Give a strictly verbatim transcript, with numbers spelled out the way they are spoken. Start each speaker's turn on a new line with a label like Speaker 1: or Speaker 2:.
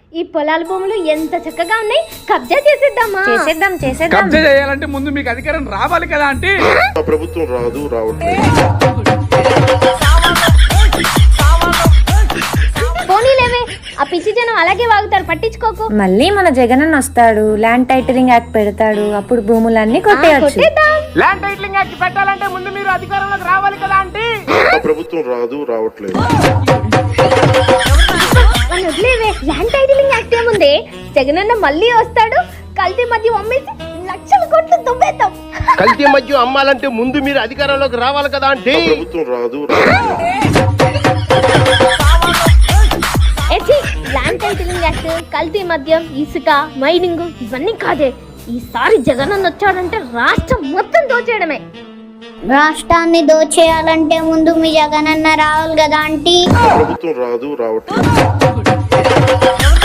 Speaker 1: ఈ పొలాల భూములు ఎంత చక్కగా ఉన్నాయి, కబ్జా చేసేద్దామా?
Speaker 2: చేసేద్దాం చేసేద్దాం.
Speaker 3: కబ్జా చేయాలంటే ముందు మీకు అధికారం రావాలి కదా అంటే
Speaker 4: ప్రభుత్వం రాదు రావట్లేదు.
Speaker 1: పోనీలేవే, ఆ పిచ్చి జనం అలాగే వాగుతారు, పట్టించుకోకు.
Speaker 2: మళ్ళీ మన జగనన్న వస్తాడు, ల్యాండ్ టైటరింగ్ యాక్ట్ పెడతాడు, అప్పుడు భూములన్నీ కొట్టేయచ్చు.
Speaker 1: కొట్టేద్దాం.
Speaker 3: ల్యాండ్ టైటిలింగ్ యాక్ట్ పెట్టాలంటే ముందు మీరు అధికారంలోకి రావాలి కదా అంటే
Speaker 4: ప్రభుత్వం రాదు రావట్లేదు.
Speaker 1: మన వదిలేవే, ల్యాండ్ టైటిలింగ్ యాక్ట్ ఏముంది? జగనన్న మళ్ళీ వస్తాడు, కల్తీ మధ్య అమ్మేసి లక్షల కోట్లు దుబ్బేద్దాం.
Speaker 5: కల్తీ మద్యం అమ్మాలంటే ముందు మీరు అధికారంలోకి రావాలి కదా అంటే
Speaker 4: ప్రభుత్వం రాదు రావట్లేదు.
Speaker 1: ల్యాండ్ టైటిలింగ్ యాక్ట్, కల్తీ మద్యం, ఇసుక, మైనింగ్ ఇవన్నీ కాదే. ఈసారి జగనన్న వచ్చాడంటే రాష్ట్రం మొత్తం దోచేయడమే.
Speaker 6: రాష్ట్రాన్ని దోచేయాలంటే ముందు మీ జగనన్న రావాలి కదా ఆంటీ.
Speaker 4: ప్రభుత్వం రాదు రావట్లేదు.